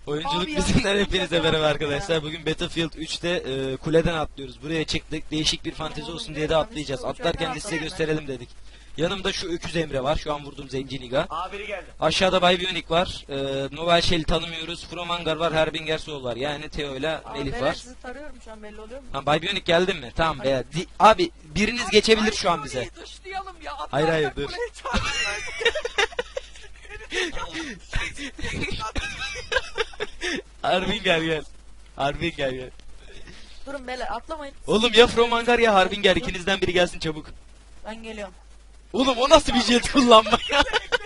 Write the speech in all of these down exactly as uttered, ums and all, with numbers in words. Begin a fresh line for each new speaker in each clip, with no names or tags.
Oyunculuk
Abi
bizimden
ya,
hepinize
ya,
merhaba
ya.
arkadaşlar. Bugün Battlefield üçte e, kuleden atlıyoruz. Buraya çıktık. Değişik bir fantezi olsun diye de atlayacağız. Atlarken de size gösterelim dedik. Yanımda şu öküz Emre var. Şu an vurduğum zenci Niga.
Aa biri geldi.
Aşağıda Bay Bionic var. E, Novel Shell'i tanımıyoruz. Fromangar var. Herbinger Soul var. Yani Theo ile Melih
Ben
var.
sizi tarıyorum şu an, belli oluyor mu?
Ha, Bay Bionic geldin mi? Tamam be. Di- Abi biriniz geçebilir şu an bize.
Dışlayalım ya.
Hayır, hayır, dur.
Kuleyi çarpmayın.
Harbinger gel. Harbinger gel.
Durun beyler, atlamayın.
Oğlum ya Fromangar ya Harbinger, ikinizden biri gelsin çabuk.
Ben geliyorum.
Oğlum o nasıl bir jet kullanma ya?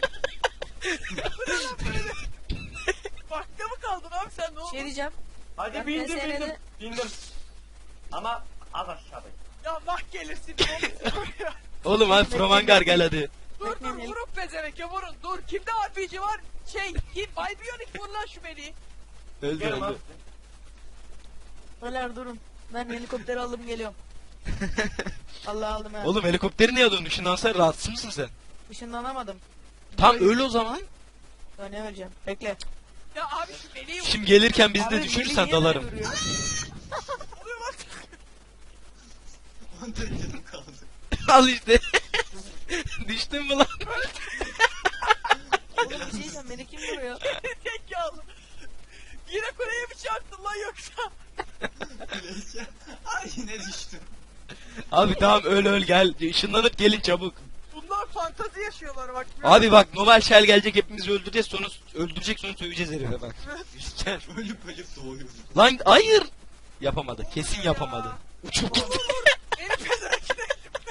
Bakta mı kaldın abi sen, ne oldu?
Şey diyeceğim.
Hadi
Ben
bindim
P S N'de
bindim. Bindim. Ama az aşağıdayım.
Ya bak gelirsin oğlum.
Oğlum hadi Fromangar gel hadi.
Dur dur
Bekleyin,
vurun pezeveke vurun. Dur kimde R P G var? Şey kim? Bay Bionic vur lan şu Melih'i.
Öldü
Gelin
öldü.
abi.
Beyler durun. Ben helikopteri aldım, geliyorum. Allah aldım ya.
Oğlum helikopteri niye alıyorsun? Işınlansa rahatsız mısın sen?
Işınlanamadım.
Tam öyle o zaman.
Öne vereceğim. Bekle.
Ya abi şu Melih'i vur.
Şimdi gelirken bizi de
Abi,
düşürürsen
beni niye
dalarım.
böyle vuruyor?
Al işte. Düştün mü lan?
Oğlum bir şey diyeceğim, beni kim vuruyor?
Tek yağlı. Yine kuleye mi çarptın lan yoksa?
Ay yine düştüm.
Abi tamam öl öl gel. Işınlanıp gelin çabuk.
Bunlar fantazi yaşıyorlar bak.
Abi bak Novel Shell gelecek, hepimizi öldüreceğiz, sonra öldürecek, sonra söveceğiz herife bak. Gel.
Ölüp ölüp doğuyorum.
Lan hayır. Yapamadı. Kesin yapamadı. Uçup gitti.
Beni pezevekle.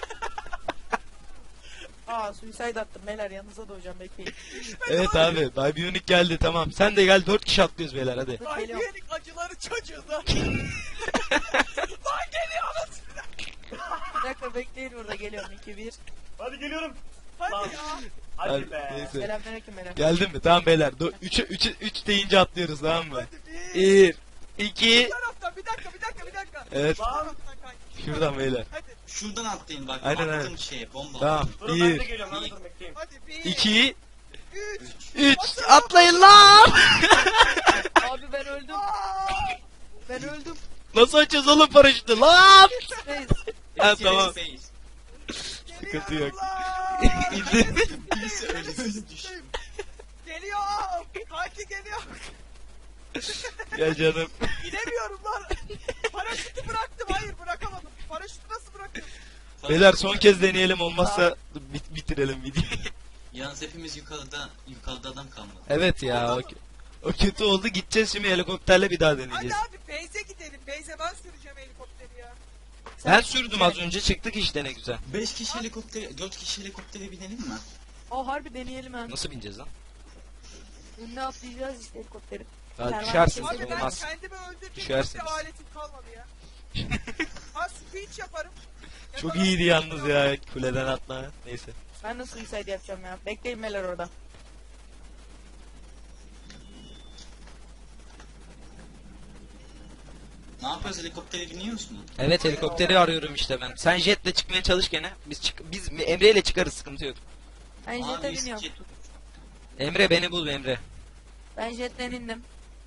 Aa, suicide attım beyler, yanınıza doğacağım, bekleyin.
Evet abi. Bay Bionic geldi, tamam. Sen de gel, dört kişi atlıyoruz beyler hadi.
Dur,
Bay
geliyorum.
Bionic acıları çocuğu da. Lan geliyor anasını.
Bir dakika bekleyin, burada geliyorum. iki bir.
Hadi geliyorum.
Hadi
Lan.
ya.
Hadi
Hadi,
be.
neyse.
Selamünaleyküm beyler.
Geldin mi? Tamam beyler. üç üç deyince atlıyoruz, tamam mı?
Hadi bir.
bir iki
Bu taraftan bir dakika bir dakika bir dakika.
Evet.
Bu taraftan kanki.
Şuradan beyler.
Hadi
Şuradan atlayın bak.
Aynen,
Attım
aynen.
şeye bomba.
Tamam.
Durun ben de
bir
geliyorum. Hadi dur bekleyin.
hadi bir.
iki
Üç.
üç Atlayın lan!
Abi ben öldüm.
Aa!
Ben öldüm.
Nasıl açacağız oğlum paraşütü lan?
Space.
Ha,
Space,
tamam.
space.
Sıkıntı yok.
Geliyorum lan.
İndir.
Birisi öyle birisi düştü.
Geliyor. Kanki geliyor.
Gel canım.
İnemiyorum lan. Paraşütü bıraktım. Hayır bırakamadım. Paraşütü nasıl bıraktım?
Beyler son kez deneyelim, olmazsa bit bitirelim videoyu.
Yalnız hepimiz yukarıda yukarıda adam kalmadı.
Evet ya, o, o kötü oldu. Gideceğiz şimdi helikopterle, bir daha
Hadi
deneyeceğiz.
abi Beyze gidelim. Beyze ben süreceğim helikopteri ya.
Ben sürdüm az önce, çıktık işte, ne güzel.
beş kişi helikoptere, dört kişi helikoptere binelim mi?
O harbi deneyelim ha.
Nasıl bineceğiz lan?
Önüne atlayacağız işte helikopteri.
Ya
Kervan
düşersiniz,
sesi
Abi ben
olmaz.
kendimi öldürdüm.
Düşersiniz.
Bir aletim kalmadı ya. Ha speech yaparım.
Çok
Yaparım.
iyiydi yalnız ya, kuleden atla. Neyse.
Ben de suicide yapacağım ya. Bekleyin beyler orada.
Ne yapıyoruz, helikoptere biniyoruz mu?
Evet, helikopteri arıyorum işte ben. Sen jetle çıkmaya çalış gene. Biz çık biz Emre ile çıkarız, sıkıntı yok.
Ben
Abi,
jete biniyorum.
jet-
Emre beni bul Emre.
Ben jetten indim.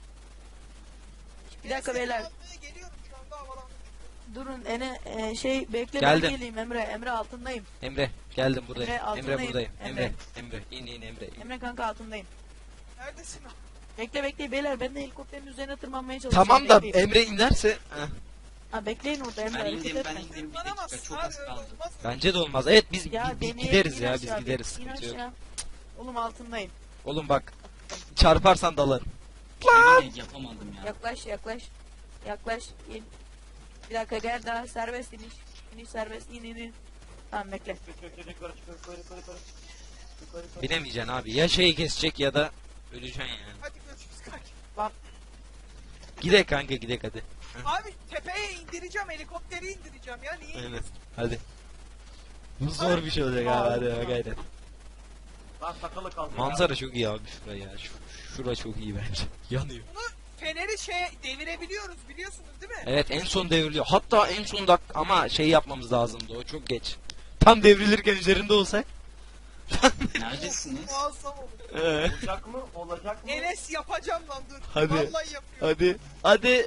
Bir dakika
Seni
beyler.
almaya geliyorum şu anda havalandım.
Durun ene e, şey bekle,
Geldim.
ben geleyim Emre. Emre altındayım.
Emre geldim buradayım.
Emre,
Emre,
altındayım.
buradayım. Emre.
Emre.
Emre in in Emre. in.
Emre kanka altındayım.
Neredesin abi?
Bekle bekle beyler, ben de helikopterin üzerine tırmanmaya çalışacağım.
Tamam da
Bekleyin.
Emre inerse heh,
Ha bekleyin orada Emre,
Ben
hareket
indim ben
etme.
indim bir dakika
Tırmanamazsın
çok
abi
az
öyle
kaldı.
olmaz.
bence de olmaz. Evet biz
Ya
bi- bi-
deneyelim,
gideriz
in
ya,
aşağı,
biz gideriz,
in
sıkıntı yok.
aşağı. Oğlum altındayım.
Oğlum bak, çarparsan dalarım.
Yine yapamadım ya.
Yaklaş yaklaş. Yaklaş in. Bir dakika gel, daha serbest iniş. İniş serbest, in in in. Tamam bekle.
Çık, çık, çık, yukarı, çık, yukarı, yukarı, yukarı. Yukarı, yukarı.
Binemeyeceksin abi. Ya şeyi kesecek ya da öleceksin yani.
Hadi görüşürüz kanki.
Gidek kanka, gidek hadi.
Abi tepeye indireceğim, helikopteri indireceğim ya. Niye?
Aynen. Hadi. Bu zor bir şey olacak abi, hadi ya, gayret.
Lan sakalı kaldı. ya.
Manzara çok iyi abi şuraya ya. Şu, şura çok iyi bence. Yanıyor.
Bunu feneri şey devirebiliyoruz biliyorsunuz değil mi?
Evet, en son devriliyor. Hatta en son dak ama şey yapmamız lazımdı, o çok geç. Tam devrilirken üzerinde olsak.
Neredesiniz?
Muazzam olur.
Ee,
Olacak mı? Olacak mı?
Enes yapacağım lan dur.
Hadi.
Vallahi yapıyorum.
hadi. Hadi.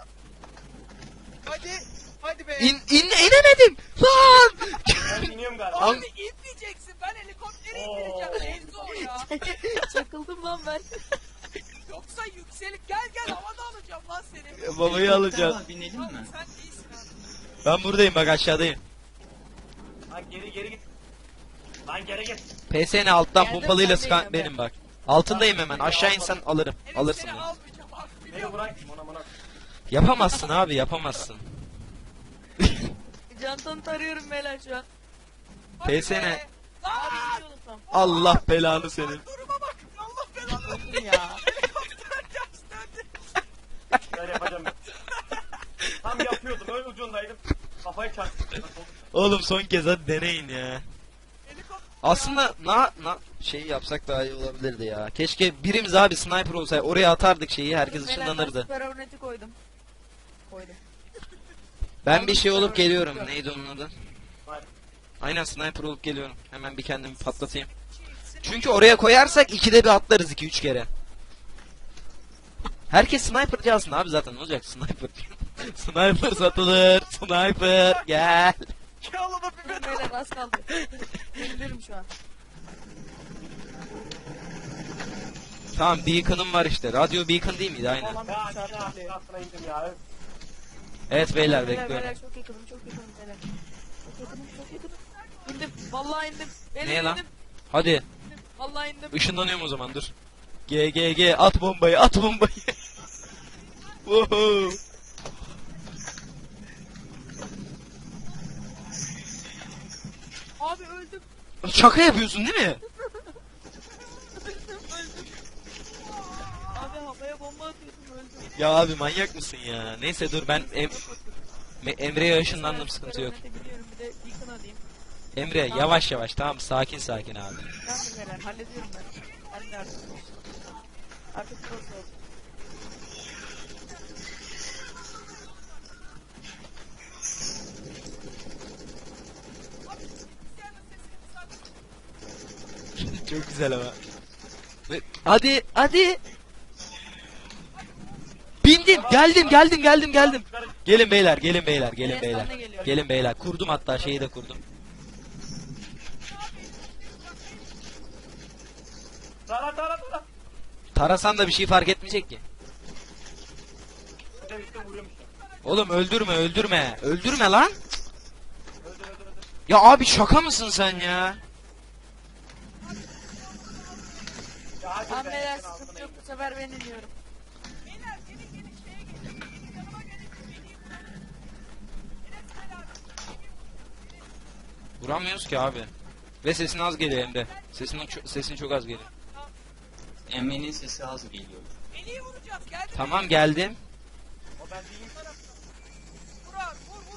Hadi. Hadi be.
İn, in, inemedim. Lan.
Ben biniyorum galiba.
Abi inmeyeceksin. Ben helikopteri
Oo.
indireceğim. En zor ya.
Çakıldım lan ben.
Yoksa yükselik gel gel havada alacağım lan seni.
Babayı
Helikopter
alacağız.
var, binelim
Abi
mi?
sen iyisin abi.
Ben buradayım bak aşağıdayım.
Lan geri geri git. Lan geri git.
P S N alttan
Geldim,
pompalıyla
sendeyim
sıkan
ben.
benim bak. Altındayım hemen. Aşağı insen alırım.
Enes
Alırsın
seni
beni.
almayacağım abi.
Beni
Biliyorum.
bırak. Mona mona.
Yapamazsın abi yapamazsın.
Cantanı tarıyorum beyler şu an.
Hadi
P S N.
be.
Abi
Lan.
iniyorum tam.
Allah belanı senin.
Duruma bak. Allah belanı.
Dur ya.
Helikopter ters döndü.
Ben yapacağım ben. Tam yapıyordum. Öyle ucundaydım. Kafayı çarptım. Nasıl oldu?
Oğlum son kez hadi deneyin ya.
Helikopter.
Aslında na na şey yapsak daha iyi olabilirdi ya. Keşke birimiz abi sniper olsaydı. Oraya atardık şeyi herkes
Beyler, ben
ışınlanırdı.
süper horneti koydum. Koydum.
Ben bir şey olup geliyorum. Neydi onun adı?
Hayır.
Aynen sniper olup geliyorum. Hemen bir kendimi patlatayım. Çünkü oraya koyarsak ikide bir atlarız iki üç kere. Herkes sniperci alsın abi zaten ne olacak sniper. Sniper satılır. Sniper gel.
Gel ona bir
Dur beyler az kaldı. İndirim şu an.
Tamam beacon'ım var işte. Radyo beacon değil miydi aynen.
Falan
Ya
bir
aşağı
çarptı bile.
aşağısına indim ya.
Evet beyler
Beyler
bekliyorum.
beyler çok yakınım çok yakınım beyler. Çok yakınım çok yakınım. İndim. Vallahi indim. Beyler
Neye lan?
indim.
Hadi
indim. Vallahi indim.
ışınlanıyorum o zaman dur. G G G at bombayı at bombayı. Woohoo.
Abi öldüm.
Şaka yapıyorsun değil mi?
Abi havaya bomba atıyordum öldüm.
Ya abi manyak mısın ya? Neyse dur ben em Me- Emre'ye ışınlandım
Süper
sıkıntı yok.
hornete biliyorum bir de beacon alayım.
Emre yavaş yavaş tamam sakin sakin abi.
Tamam beyler hallediyorum ben. Ben de artık. Artık çok oldu.
Çok güzel ama. Ve- Hadi hadi. Bindim geldim geldim geldim geldim. Gelin beyler gelin beyler gelin
Evet,
beyler.
ben de geliyorum.
Gelin beyler kurdum hatta şeyi de kurdum.
Tara tara tara.
Tarasan da bir şey fark etmeyecek ki.
Bir de işte vuruyorum işte.
Oğlum öldürme öldürme. Öldürme lan.
Öldür öldür öldür.
Ya abi şaka mısın sen ya?
Ya hadi
Tamam
be,
beyler
sen altına
sıkıntı yok
indim.
bu sefer ben iniyorum.
Beyler gelin gelin şeye gelin. Yanıma gelin. Geleyim ben. Enes gel abi.
Vuramıyoruz ki abi. Ve sesin az geliyor Emre. Sesin, ço- sesin çok az geliyor.
Emre'nin sesi az geliyor.
Beni vuracağız. Gel.
Tamam geldim.
O ben değilim.
Vur abi vur vur.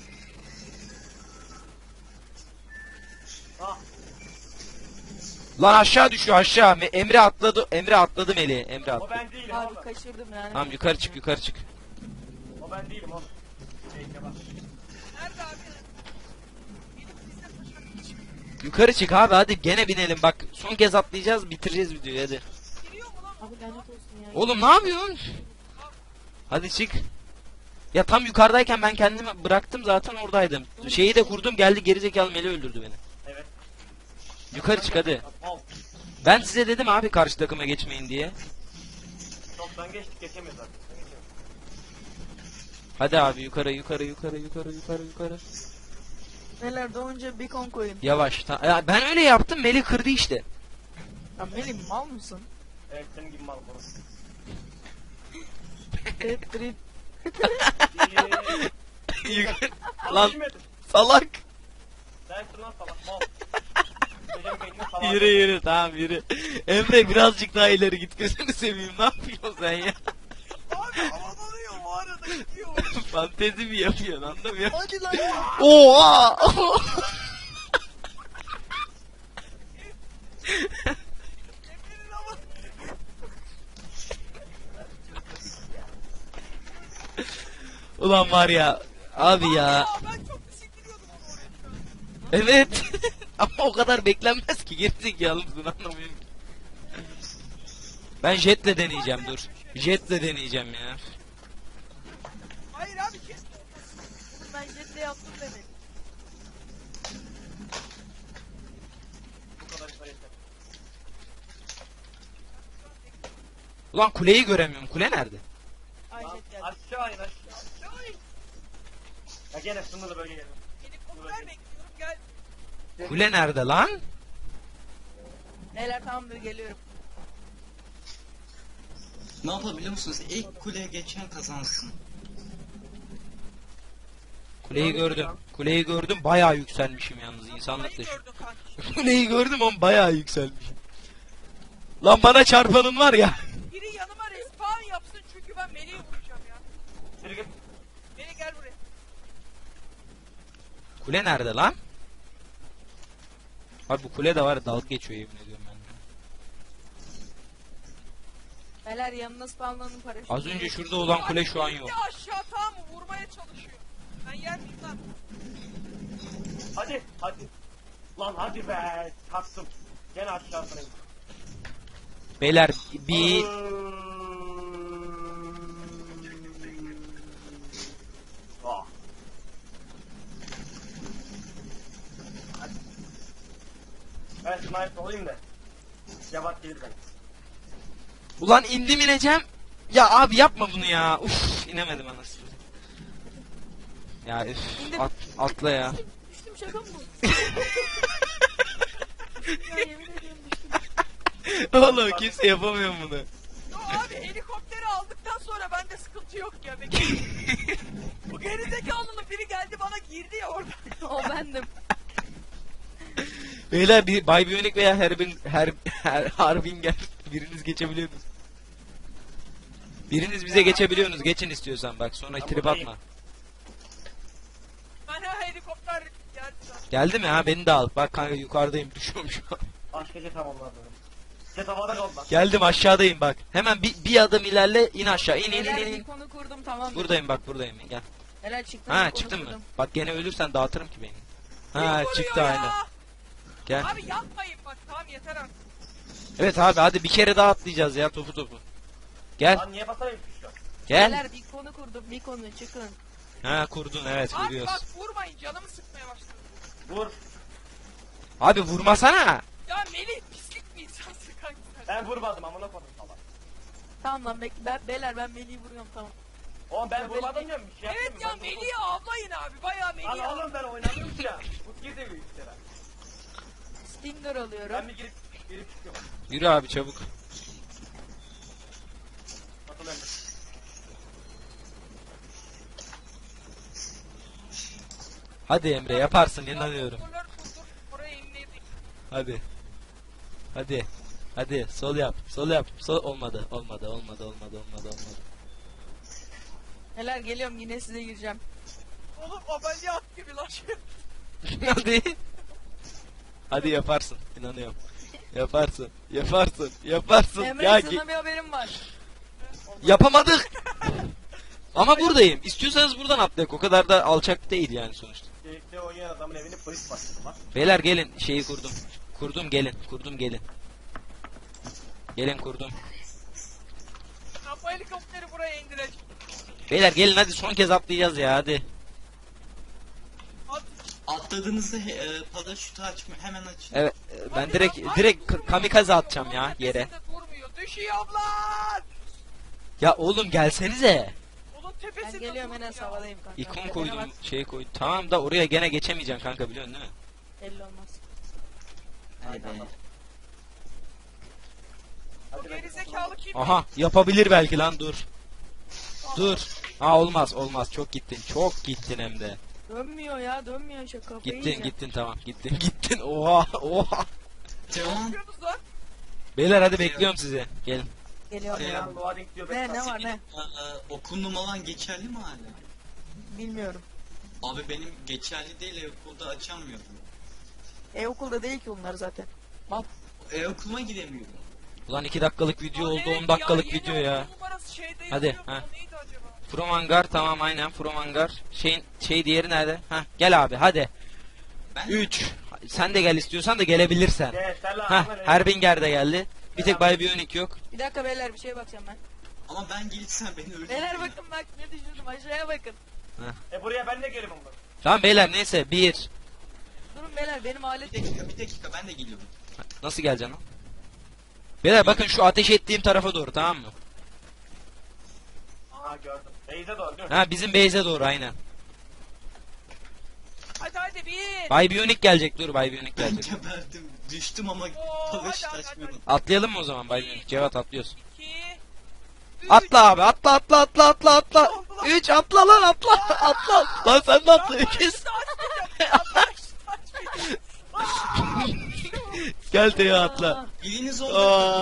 Ah.
Lan aşağı düşüyor aşağı. Me- Emre atladı. Emre atladı Meli. Emre
O
atladı.
ben değilim
Abi
oğlum.
kaçırdım yani.
Tamam yukarı çık yukarı çık.
O ben değilim oğlum. Şey Kemal.
Nerede abi? Benim bize taşak.
Yukarı çık abi hadi gene binelim bak. Son kez atlayacağız bitireceğiz videoyu hadi.
Giriyor mu lan?
Abi lanet olsun ya.
Oğlum ne yapıyorsun? Hadi çık. Ya tam yukarıdayken ben kendimi bıraktım zaten oradaydım. Şeyi de kurdum geldi gerizekalı Meli öldürdü beni.
Evet.
Yukarı çık hadi.
Al.
Ben size dedim abi karşı takıma geçmeyin diye.
Çoktan geçtik geçemiyoruz artık. Geçemiyoruz.
Hadi abi yukarı yukarı yukarı yukarı yukarı yukarı.
Beyler doğunca beacon koyun.
Yavaş. Ta- ya ben öyle yaptım Meli kırdı işte.
Ya benim mal mısın?
Evet senin gibi mal bunu.
Trip trip.
Yukarı-
Lan.
Lan salak.
Sensin lan salak mal. Benim beynimi salak.
Yürü yürü tamam yürü. Emre birazcık daha ileri git gözünü seveyim ne yapıyorsun sen ya?
Abi havalanıyor o arada gidiyor.
Fantezi mi yapıyorsun anlamıyorum.
Hadi lan.
Oha!
Emre'nin hava.
Ulan var ya abi ya.
Aa ben çok bisikletiyordum onu oraya.
Evet. Ama o kadar beklenmez ki, gerizekalı mısın, anlamıyorum ki. Ben jetle deneyeceğim, dur. Jetle deneyeceğim ya.
Hayır abi kes.
Bunu ben jetle yaptım demek.
Bu kadar işte yeter.
Ulan kuleyi göremiyorum, kule nerede?
Ay
Lan,
jet geldi.
aşağı in aşağı.
Ay,
Ya gene sınırlı bölge geldim.
helikopter bekliyorum gel.
Kule nerede lan?
Beyler tamamdır, geliyorum.
Ne yapabiliyor musunuz? İlk kuleye geçen kazansın.
Kuleyi gördüm. Kuleyi gördüm, bayağı yükselmişim yalnız, insanlık
Kuleyi
dışı.
gördün kanki.
Kuleyi gördüm ama bayağı yükselmişim. Lan bana çarpanın var ya.
Biri yanıma respawn yapsın çünkü ben Melih'i vuracağım ya.
Yürü git.
Melih gel buraya.
Kule nerede lan? Abi bu kule de var ya, dalga geçiyor yemin ediyorum ben.
Beyler yanına spawnlanın paraşütü.
Az önce şurada olan kule şu an yok.
Bir de aşağı tamam mı? Vurmaya çalışıyor. Ben yer miyim lan?
Hadi hadi. Lan hadi be. Kalktım. Gene aşağısına.
Beyler bir
Ah. Hadi. Ben sniper olayım da. Cevat gelir ben.
ulan indim ineceğim. Ya abi yapma bunu ya. Uf, inemedim anasını. Ya üf, at, atla ya.
Düştüm, şaka mı bu? Ya yemin ediyorum düştüm.
Oğlum kimse yapamıyor bunu.
Yo abi helikopteri aldıktan sonra bende sıkıntı yok ya. Bekle. Bu gerizekalının biri geldi bana girdi ya orada.
O bendim.
Beyler bir Bay Bionic veya Herbin her, her Harbinger biriniz geçebiliyorsunuz. Biriniz bize geçebiliyorsunuz. Geçin istiyorsan bak, sonra
Ben
trip
buradayım.
atma.
Bana helikopter geldi zaten.
Geldi mi ha, beni de al. Bak kanka yukarıdayım, düşüyorum şu an.
Başka şey tamamladım. Jet havada kaldı lan.
Geldim, aşağıdayım bak. Hemen bir, bir adım ilerle, in aşağı. İn in in
Beyler
in.
bir
in.
konu kurdum, tamam.
Buradayım bak, buradayım. Gel.
Beyler çıktım.
Ha
bir konu
çıktın mı?
kurdum.
Bak gene ölürsen dağıtırım ki beni.
Kim
Ha
vuruyor
çıktı
ya?
aynen. Gel.
Abi yapmayın bak tamam yeter artık.
Evet abi hadi bir kere daha atlayacağız ya, topu topu. Gel
Lan niye basamıyorum ki şu an?
gel.
Beyler bir konu kurdum, bir konu çıkın.
Ha kurdun, evet
Abi
vuruyoruz.
bak vurmayın canımı sıkmaya başladı.
Vur.
Abi vurmasana.
Ya Melih pislik bir insansın kanka sen.
Ben vurmadım amına koydum salak.
Tamam lan bekle, ben, beyler ben Melih'i vuruyorum, tamam.
Oğlum ben
Ya
vurmadım diyorum bir şey
Evet
yapmıyorum.
ya
Ben vurdum.
Melih'i avlayın abi bayağı Melih'i
Lan
avlayın.
oğlum ben oynamıyorum ki ya. Bu gir de büyük kere.
Stinger alıyorum.
Ben bir girip girip çıkıyorum.
Yürü abi çabuk.
Atıl önce.
Hadi Emre yaparsın, inanıyorum.
Motorlar kurdur, oraya inmeyi
Hadi. Hadi. Hadi sol yap. Sol yap. Sol olmadı. Olmadı. Olmadı. Olmadı. Olmadı. Olmadı.
Beyler geliyorum, yine size gireceğim.
Oğlum ameliyat gibi lan şey.
Hadi. Hadi yaparsın. İnanıyorum. Yaparsın. Yaparsın. Yaparsın.
Emre
ya
sana
ge-
bir haberim var.
yapamadık. Ama buradayım. İstiyorsanız buradan atlayak. O kadar da alçak değil yani sonuçta.
Birlikte oynayan adamın evini polis bastı lan.
Beyler gelin, şeyi kurdum. Kurdum gelin. Kurdum gelin. Gelin kurdum.
Ben bu helikopteri buraya indireceğim.
Beyler gelin hadi, son kez atlayacağız ya hadi.
At.
Atladığınızda he- e, paraşütü açma hemen açın.
Evet e, ben
Hadi
direkt
lan,
direkt
ay,
k-
durmuyor,
kamikaze
durmuyor.
atacağım
Onun
ya yere.
tepesinde durmuyor. Düşüyor lan.
Ya oğlum gelsenize.
Onun tepesinde
Ben geliyorum,
durmuyor.
Enes havadayım kanka.
İkon
Tepene
koydum,
bak,
şey koydum. Tamam da oraya gene geçemeyeceksin kanka, biliyorsun değil mi?
belli olmaz.
Hadi be.
O
Hadi ben-
gerizekalı kim?
Aha yapabilir belki lan, dur. Dur. Ha olmaz olmaz, çok gittin. Çok gittin hem de.
Dönmüyor ya, dönmüyor şu kafayı
Gittin
yiyeceğim.
gittin tamam, gittin gittin. Oha oha.
Ne
Devam.
yapıyorsunuz lan?
Beyler hadi bekliyorum sizi. Gelin.
Geliyorum
Ee,
ya.
Lan loading diyor.
Ne
ben
ne
kalktım.
var ne?
Ee, okul numaran geçerli mi hala?
Bilmiyorum.
Abi benim geçerli değil, e-okulda açamıyorum.
E okulda değil ki onlar zaten. Mal.
E-okuluma gidemiyorum.
Ulan iki dakikalık video
Lan
oldu,
evet
on dakikalık
yeni
video ya.
okul numarası şeyde
Hadi,
yazıyordu,
ha.
o neydi acaba?
From Hangar, tamam aynen From Hangar. Şeyin şey diğeri nerede? Ha gel abi hadi.
Ben
üç sen de gel istiyorsan da gelebilirsen.
Gel selam.
Hah, Herbinger de geldi. Bir tek Bay Bionic yok.
Bir dakika beyler bir şeye bakacağım ben.
Ama ben gelirsen beni öldürür.
Beyler bakın bak ne düşürdüm aşağıya bakın.
E buraya ben de gelirim bunu.
Tamam beyler neyse bir.
Durun beyler benim alet
Bir dakika bir dakika ben de geliyorum.
Nasıl geleceksin lan? Beyler bakın şu ateş ettiğim tarafa doğru, tamam mı?
Aha gördüm. Beyze doğru değil mi?
Ha, bizim base'e doğru aynen.
Hadi hadi bir.
Bay Bionic gelecek, dur Bay Bionic
Ben
gelecek.
geberdim. Düştüm ama
Oo,
paraşüt
hadi, hadi,
açmıyordum.
Atlayalım mı o zaman Bay Bionic? Cevat atlıyorsun.
İki. Üç.
Atla abi, atla atla atla atla atla. Üç, atla lan, atla atla. Lan sen de atla. İki.
Paraşütü açmayacağım. Paraşütü açmayacağım.
Gel Teo atla.
Biriniz oldu.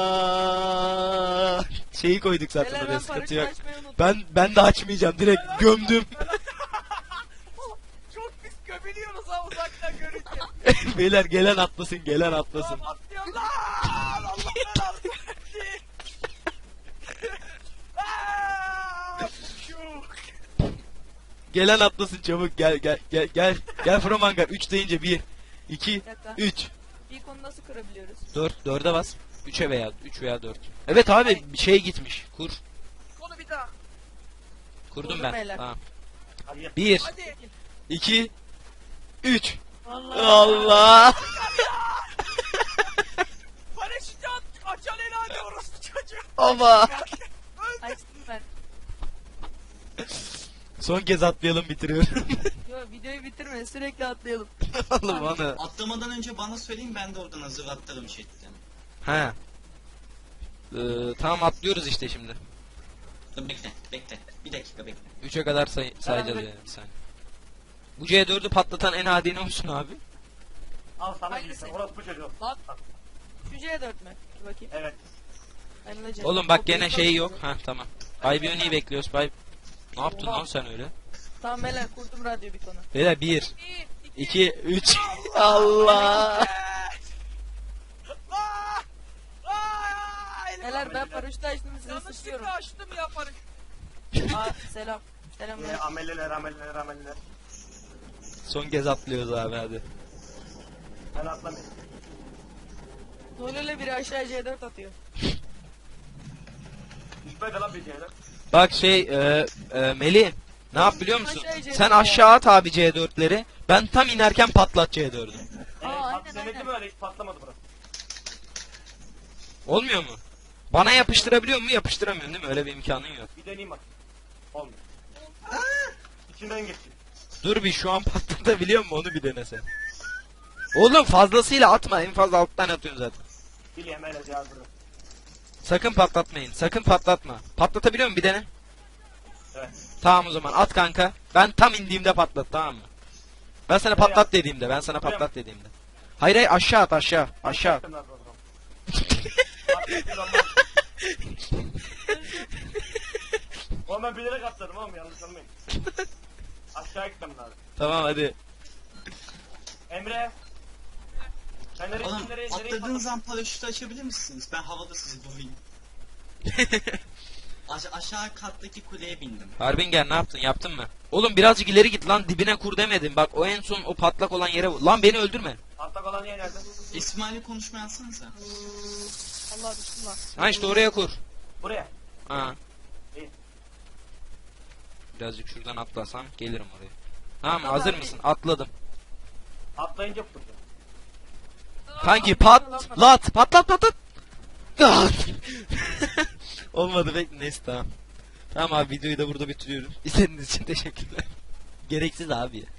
Aa, şeyi koyduk zaten
Beyler
oraya,
ben
sıkıntı
paraşütü
yok.
açmayı unuttum.
Ben ben de açmayacağım, direkt gömdüm.
Çok pis gömülüyoruz ha uzaktan görünce.
Beyler gelen atlasın, gelen atlasın.
Tamam atlıyorum lan. Allah belanı versin. Aa, şu.
Gelen atlasın çabuk, gel gel gel gel. Gel From Hangar, üç deyince bir, iki,
Bir dakika.
üç.
Bir konu nasıl kırabiliyoruz?
dört, dörde bas. üçe veya üç veya dört. Evet abi bir şey gitmiş. Kur.
Konu bir daha.
Kurdum
Kurdum
ben.
beyler.
Tamam.
Hadi gel.
bir,
Hadi.
iki, üç.
Allah.
Allah.
Paraşütü at. Açan helali orası çocuğu.
Ama.
Açtım ben.
Son kez atlayalım, bitiriyorum.
Yo videoyu bitirme sürekli atlayalım.
Oğlum bana.
Atlamadan önce bana söyleyin ben de oradan hazır atlarım chatten.
He. Ee, tamam atlıyoruz işte şimdi.
Dur bekle bekle. Bir dakika bekle.
üçe kadar say sayacağız
Evet.
yani bir saniye. Bu C dördü patlatan en adi ne olsun abi?
Al sana
Hangisi?
gitsin. Orası bu çocuğu.
Lan. Şu C dört mü? Bir bakayım.
Evet.
Ben de C dört.
Oğlum bak
O
gene
büyük
şey
olan
yok.
C dört.
Ha tamam. Bay Bionic'i bekliyoruz. Bay... Ne yaptın
Oha.
lan sen öyle?
Tamam beyler kurdum radyo bir konu.
Beyler bir,
Bir, iki,
iki, üç. Allah.
Aa! Aa! Elim
Beyler ben paraşütü açtım sizi sıçıyorum.
yanlışlıkla açtım ya paraşütü.
Aa selam. Selamlar.
Ee, ameliler ameliler ameliler.
Son kez atlıyoruz abi hadi.
Ben atlamayayım.
Nolele biri aşağı C dört atıyor.
Düşmedi lan bir şeyler.
Bak şey e, e, Melih. Ne yap biliyor musun?
Aşağı C dört
Sen
ya.
aşağı at abi C dörtleri. Ben tam inerken patlat C dördü.
Ee,
Aa,
pat-
aynen,
denedim
aynen.
öyle hiç patlamadı burası.
Olmuyor mu? Bana yapıştırabiliyor mu? Yapıştıramıyorum değil mi? Öyle bir imkanın yok.
Bir deneyeyim bak. Olmuyor. İçinden geçti.
Dur bir, şu an patlatabiliyor mu onu bir denesen. Oğlum fazlasıyla atma, en fazla alttan atıyorsun zaten.
Biliyorum öyle yazdırdım.
Sakın patlatmayın, sakın patlatma. Patlatabiliyor musun bir dene?
Evet.
Tamam o zaman at kanka. Ben tam indiğimde patlat, tamam mı? Ben sana
Buraya
patlat
at.
dediğimde, ben sana
Buraya
patlat dediğimde. Hayır hayır, aşağı at, aşağı aşağı.
Patlattım lan o zaman. Patlattım lan ben. Oğlum ben bilerek atladım oğlum yanlış anlamayın. Aşağı gitmem lazım.
Tamam hadi.
Emre. Sen nereye
Oğlum
nereye nereye
atladığınız
patladın?
an paraşütü açabilir misiniz? Ben havada sizi vurayım. Aş aşağı kattaki kuleye bindim.
Harbinger ne yaptın, yaptın mı? Oğlum birazcık ileri git lan, dibine kur demedim. Bak o en son o patlak olan yere vur. Lan beni öldürme.
Atlak olan yer nerede?
İsmail'le konuşma yazsanıza.
Allah bismillah.
Ha işte oraya kur.
Buraya.
Ha.
İyi.
Birazcık şuradan atlasam gelirim oraya. Tamam
Tamam
hazır
abi.
mısın? Atladım.
Atlayınca kurdu.
Kanki patlat, patlat patlat. Pat. Olmadı bekle, neyse tamam. Tamam abi videoyu da burada bitiriyorum. İzlediğiniz için teşekkürler. Gereksiz abi ya.